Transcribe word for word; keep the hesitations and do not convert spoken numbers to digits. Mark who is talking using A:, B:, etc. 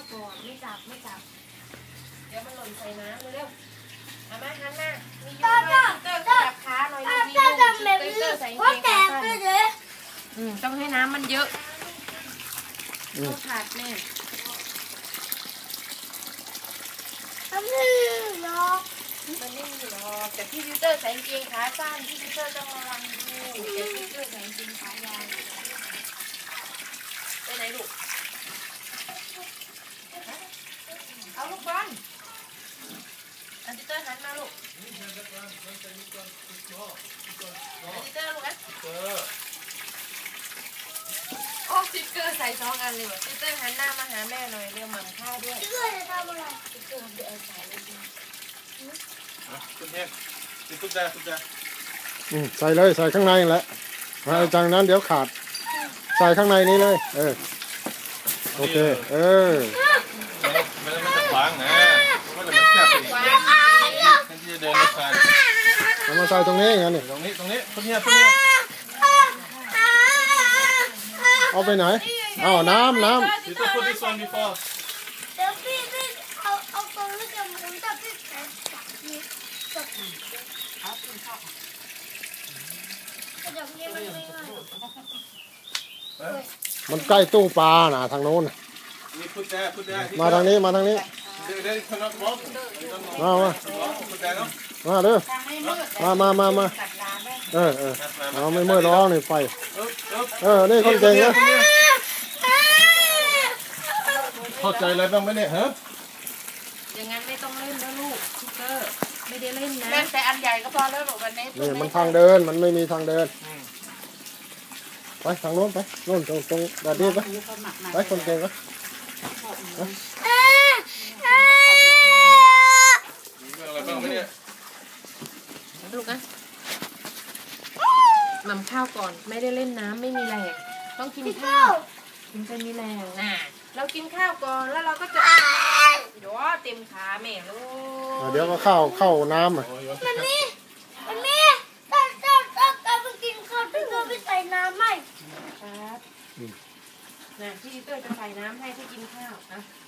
A: ก่อนไม่จับไม่จับเดี๋ยวมันหล่นใส่น้ำเร็วๆเอามาหันหน้ามียูเตอร์จับขาหน่อยมียูเตอร์ใส่เกงขาสั้นอืมต้องให้น้ำมันเยอะต้องขาดแม่มันไม่มีหรอกมันไม่มีหรอกแต่พี่ยูเตอร์ใส่เกงขาสั้นพี่ยูเตอร์ต้องระวังดูเดี๋ยวพี่ยูเตอร์ใส่เกงขายาวไปไหนลูกเอาลูกบอลอันติเตอร์หันมาลูกอันติเตอร์ลูกนะโอ้ติ๊กเกอร์ใส่สองอันเลยว่ะติ๊กเกอร์หันหน้ามาหาแม่หน่อยเรียวหมั่นข้าวด้วยติ๊กเกอร์จะทำอะไรติ๊กเกอร์ทำเดี๋ยวเอาใส่เลยดิ
B: คุณเทพติ๊กตุ๊กได้ตุ๊กได้
C: ใส่เลยใส่ข้างในแหละจากนั้นเดี๋ยวขาดใส่ข้างในนี้เลยเออโอเคเออ
B: ไม่ต้องไม่ต้องขวางนะไม่ต้องแคบอีกแทนที่จะเดินไม่ผ่าน
C: เอามาใส่ตรงนี้งั้นนี่
B: ตรงนี้ตรงนี้คุณเนี่ยคุณเนี่ย
C: เอาไปไหนเอาน้ำน้ำ
B: Youต้อง put this on before
A: เดี๋ยวพี่พี่เอาเอาตรงนี้จะหมุนจะพี่แต่จับนี่จับเอาขึ้นเข้าจับนี่มันไม่ง่าย
C: มันใกล้ตู้ปลาน่ะทางโน้น
B: นี่พูดได้พูดได้
C: มาทางนี้มาทางนี้มามามาเด้อมามามามาเออเออเอาไม่เมื่อร้องนี่ไฟเออนี่คนเก่งนะ
B: เข้าใจอะไรบ้างไหมเนี่ยฮะ
A: อย่างงั้นไม่ต้องเล่นแล้วลูกทิกเกอร์ไม่ได้เล่นนะเล่นแต่อันใหญ่ก็พอแล้วหรอกวันนี้
C: นี่มันทางเดินมันไม่มีทางเดินไปทางโน้นไปโน้นตรงตรงแบบนี้ไปไปคนเก่งก็
B: อะไรบ้างไหมเนี่ย
A: ลูกนะหม่ำข้าวก่อนไม่ได้เล่นน้ำไม่มีแรงต้องกินข้าวถึงจะมีแรงน่ะเรากินข้าวก่อนแล้วเราก็จะเดี๋ยวเต็มขาแม่ลูก
C: เดี๋ยวก็เข้าเข้าน้ำอ่ะ
A: มันมีมันมีถ้าถ้าถ้าถ้าไปกินข้าวพี่ก็ไปใส่น้ำไหมครับน่ะพี่เตอร์จะใส่น้ำให้ที่กินข้าวนะ